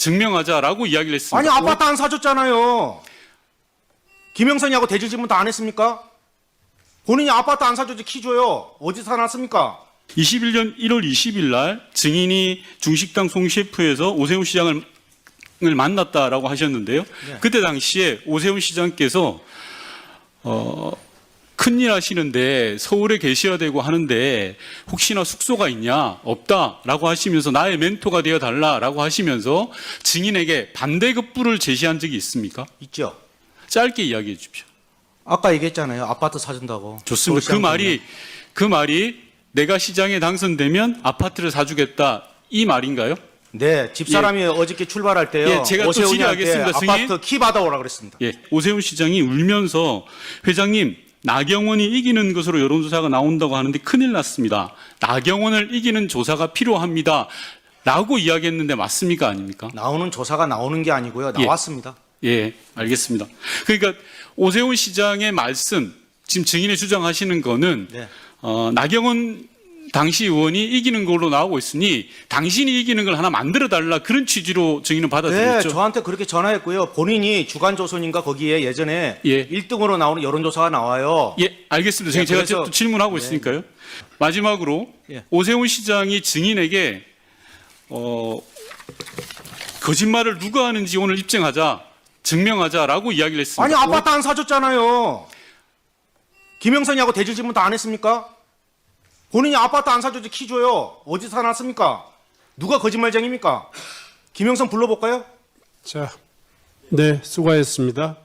증명하자라고 이야기를 했습니다. 아니 아파트 안 사줬잖아요. 김영선이하고 대질 질문 다 안 했습니까? 본인이 아파트 안 사줬지 키 줘요. 어디서 사놨습니까? 21년 1월 20일 날 증인이 중식당 송셰프에서 오세훈 시장을 만났다라고 하셨는데요. 네. 그때 당시에 오세훈 시장께서 큰일 하시는데 서울에 계셔야 되고 하는데 혹시나 숙소가 있냐? 없다라고 하시면서 나의 멘토가 되어 달라라고 하시면서 증인에게 반대급부를 제시한 적이 있습니까? 있죠. 짧게 이야기해 주십시오. 아까 얘기했잖아요. 아파트 사준다고. 좋습니다. 서울시장 그 말이 내가 시장에 당선되면 아파트를 사주겠다 이 말인가요? 네, 집사람이 어저께 출발할 때요. 예, 제가 또 오세훈이한테 질의하겠습니다, 승인. 아파트 키 받아오라 그랬습니다. 예, 오세훈 시장이 울면서 회장님 나경원이 이기는 것으로 여론조사가 나온다고 하는데 큰일 났습니다. 나경원을 이기는 조사가 필요합니다. 라고 이야기했는데 맞습니까? 아닙니까? 나오는 조사가 나오는 게 아니고요. 예. 나왔습니다. 예, 알겠습니다. 그러니까 오세훈 시장의 말씀, 지금 증인이 주장하시는 거는 네. 나경원 당시 의원이 이기는 걸로 나오고 있으니 당신이 이기는 걸 하나 만들어 달라 그런 취지로 증인은 네, 받아들였죠. 저한테 그렇게 전화했고요. 본인이 주간조선인가 거기에 예전에 예. 1등으로 나오는 여론조사가 나와요. 예, 알겠습니다. 예, 제가 그래서- 또 질문하고 네. 있으니까요. 마지막으로 예. 오세훈 시장이 증인에게 거짓말을 누가 하는지 오늘 입증하자, 증명하자라고 이야기를 했습니다. 아니 아파트 안 사줬잖아요. 김영선이하고 대질 질문 다 안 했습니까? 본인이 아파트 안 사줬지 키 줘요. 어디서 사놨습니까? 누가 거짓말쟁입니까? 김영선 불러볼까요? 자, 네, 수고하셨습니다.